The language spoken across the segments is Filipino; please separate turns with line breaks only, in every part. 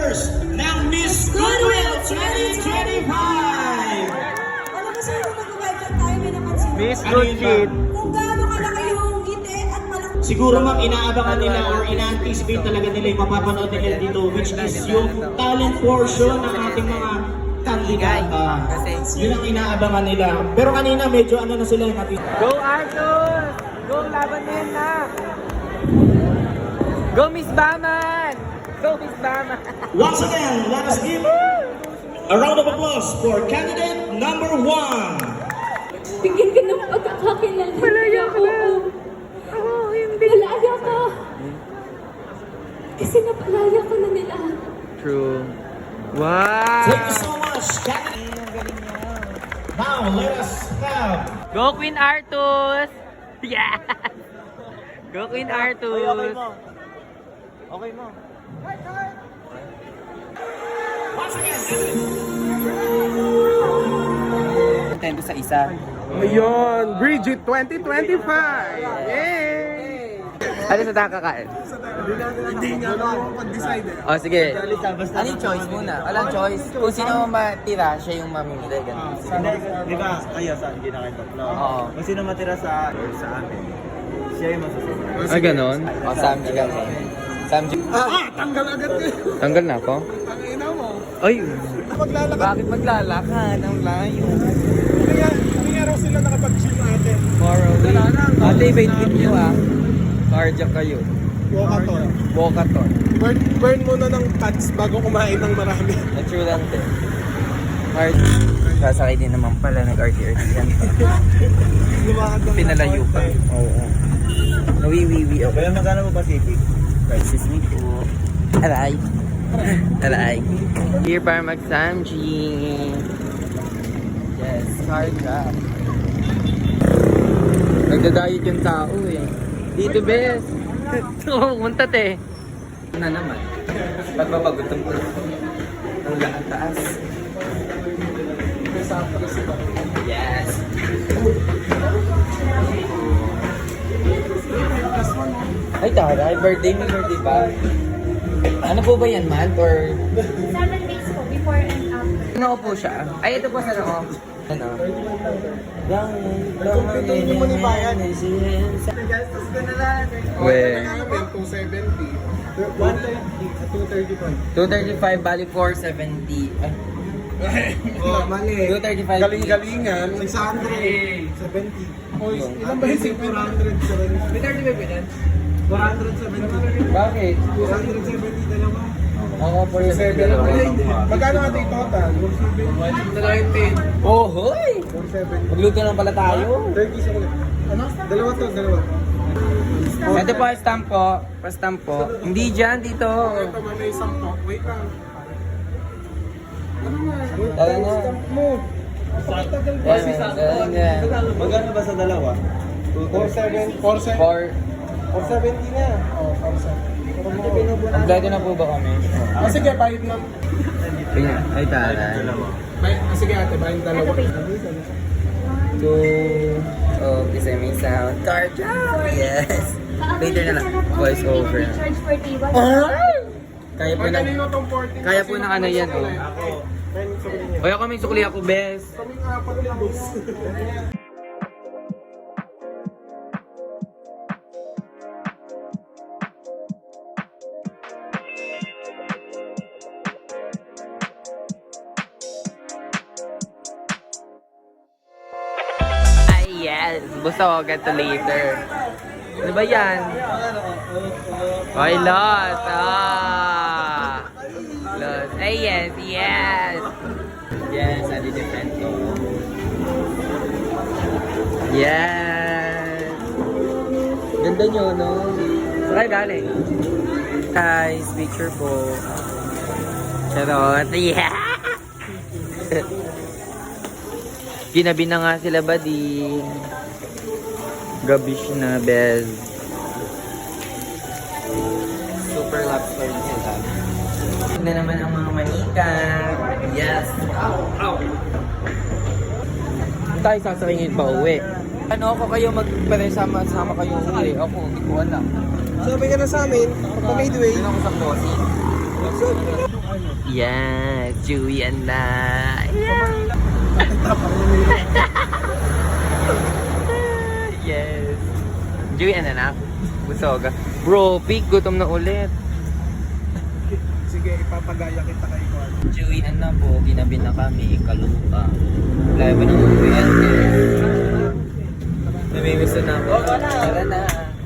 winners ng Miss Goodwill 2025!
Alam mo sir, kung nag-welcome tayo, may napansin.
Miss Good Kid.
Kung gaano kalaki yung ngiti at malaki.
Siguro ma'am, inaabangan nila or ina-anticipate talaga nila yung mapapanood nila dito, which is yung talent portion ng ating mga kandidata. Yun ang inaabangan nila. Pero kanina medyo ano na sila yung ating...
Go Arthur! Go laban na yan na! Go Miss Baman! Go Miss Baman!
Once again, let us give a round of applause for candidate number 1.
Bigyan ka ng pagkakakilala.
Malaya ka na! Oo, hindi.
Malaya ka. Kasi napalaya ka na nila.
True. Wow!
Thank you so much, candidate. Now, let us have...
Go Queen Artus! Yeah! Go Queen Artus!
Okay mo.
Once again,
Contento sa isa.
Ayun, Bridget 2025! Yay!
Ano sa nakakain?
Hindi nga ako mag-decide eh.
Oh, sige.
Ano yung choice muna? Walang choice. Kung sino matira, siya yung mamimili. Ganun.
Hindi, di ba kayo sa hindi na kayo tatlo?
Oo.
Kung sino matira sa or sa amin, siya yung masusunod.
Ah, ganon?
O, Samji kami. Samji.
Tanggal agad ko yun.
Tanggal na ako?
Ang ina mo.
Ay!
Maglalakad.
Bakit maglalakad? Ang layo.
Hindi nga raw sila nakapag-gym natin.
Far away. Ate, wait with you ah. Cardiac kayo.
Walkathon.
Walkathon.
Burn muna ng fats bago kumain ng marami.
True lang din. Hard. Sasakay din naman pala, nag-RT-RT yan.
Lumakad lang.
Pinalayo pa. Oo. Nawiwiwi ako.
Kaya magkano mo Pacific?
Crisis me po. Aray. Aray.
Here para mag-Samji.
Yes, cardiac.
Nagda-diet yung tao eh. Dito, bes. Muntat eh.
Na naman. Pagpapagutom ko. Ang taas. Yes. Ay, taray. Birthday mo, birthday ba? Ano po ba yan, month or...
7 days po, before and after.
Ano po siya? Ay, ito po sa ako. Ano?
Hindi mo ni bayan.
Gastos ko na lang.
We.
270. 230.
235 bali 470. Ay.
Oh, mali.
235.
Galing-galingan. 600. 70. Oy, ilan ba yung 470?
May 35 ba yan?
470.
Bakit?
470 dalawa.
Oo, 470.
Magkano natin yung total? 470.
Oh, hoy!
470.
Magluto lang pala tayo.
30 sa ulit. Ano? Dalawa to, dalawa.
Ito po, stamp po. Pa-stamp po. Hindi dyan, dito.
Ito, may isang to. Wait lang.
Tara na.
Mo.
Yan, yan.
Magkano ba sa dalawa?
470. 470 na. Oh, 470.
Kompleto na po ba kami?
Ah, sige, bayad na.
Ay, taray.
Sige ate, bayad dalawa.
Kasi may sound. Cardiac! Yes! Later na lang. Voice over.
Charge for table.
Kaya po na.
Kanino tong 14?
Kaya po na ano yan, oh. Oy, ako may sukli ako, bes.
Kaming apat na boss.
Ay, yes. Gusto ko get to later. Ano ba yan? Ay, lost. Ah. Lost. Ay, yes, yes.
Yes, adi different to.
Yes.
Ganda nyo, no?
Saan galing?
Guys, picture po.
Charot. Yeah. Ginabi na nga sila, buddy. Gabish na, Bez.
Super love story sila. Na naman ang mga manika. Yes.
Tayo sasakingin pa uwi.
Ano ako kayo sama kayo uwi? Ako, hindi ko alam.
Sabi ka na sa amin, pagka midway.
Doon ako sa bossing.
ano.
Yes, Chewy and na. Yes. Chewy and anak. Busog. Bro, peak, gutom na ulit.
Sige, ipapagaya kita kay Kwan.
Chewy na po, ginabi na kami, kalupa. Layo ba ng movie Namimiss na ako. Tara na.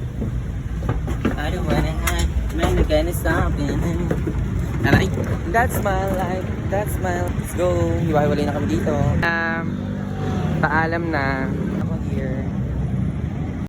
I don't wanna hide, man, I'm gonna stop it. Aray, that's my life, that's my life. Let's go. Hiwa-hiwalay na kami dito.
Paalam na.